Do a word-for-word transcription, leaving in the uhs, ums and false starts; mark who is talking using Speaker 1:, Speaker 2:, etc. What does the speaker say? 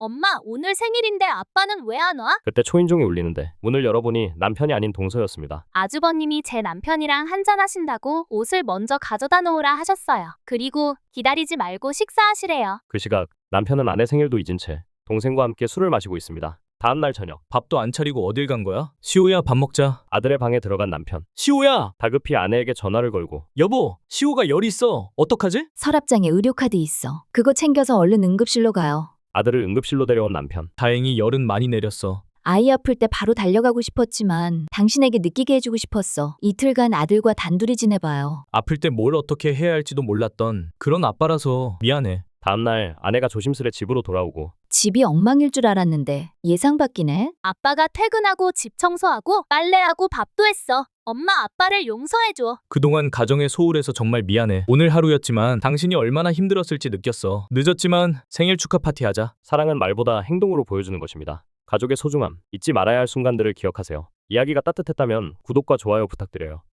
Speaker 1: 엄마, 오늘 생일인데 아빠는 왜 안 와?
Speaker 2: 그때 초인종이 울리는데 문을 열어보니 남편이 아닌 동서였습니다.
Speaker 1: 아주버님이 제 남편이랑 한잔하신다고 옷을 먼저 가져다 놓으라 하셨어요. 그리고 기다리지 말고 식사하시래요.
Speaker 2: 그 시각 남편은 아내 생일도 잊은 채 동생과 함께 술을 마시고 있습니다. 다음 날 저녁
Speaker 3: 밥도 안 차리고 어딜 간 거야? 시호야, 밥 먹자.
Speaker 2: 아들의 방에 들어간 남편.
Speaker 3: 시호야!
Speaker 2: 다급히 아내에게 전화를 걸고
Speaker 3: 여보, 시호가 열 있어. 어떡하지?
Speaker 4: 서랍장에 의료카드 있어. 그거 챙겨서 얼른 응급실로 가요.
Speaker 2: 아들을 응급실로 데려온 남편.
Speaker 3: 다행히 열은 많이 내렸어.
Speaker 4: 아이 아플 때 바로 달려가고 싶었지만 당신에게 느끼게 해주고 싶었어. 이틀간 아들과 단둘이 지내봐요.
Speaker 3: 아플 때 뭘 어떻게 해야 할지도 몰랐던 그런 아빠라서 미안해.
Speaker 2: 다음날 아내가 조심스레 집으로 돌아오고
Speaker 4: 집이 엉망일 줄 알았는데 예상 밖이네.
Speaker 1: 아빠가 퇴근하고 집 청소하고 빨래하고 밥도 했어. 엄마, 아빠를 용서해줘.
Speaker 3: 그동안 가정에 소홀해서 정말 미안해. 오늘 하루였지만 당신이 얼마나 힘들었을지 느꼈어. 늦었지만 생일 축하 파티 하자.
Speaker 2: 사랑은 말보다 행동으로 보여주는 것입니다. 가족의 소중함, 잊지 말아야 할 순간들을 기억하세요. 이야기가 따뜻했다면 구독과 좋아요 부탁드려요.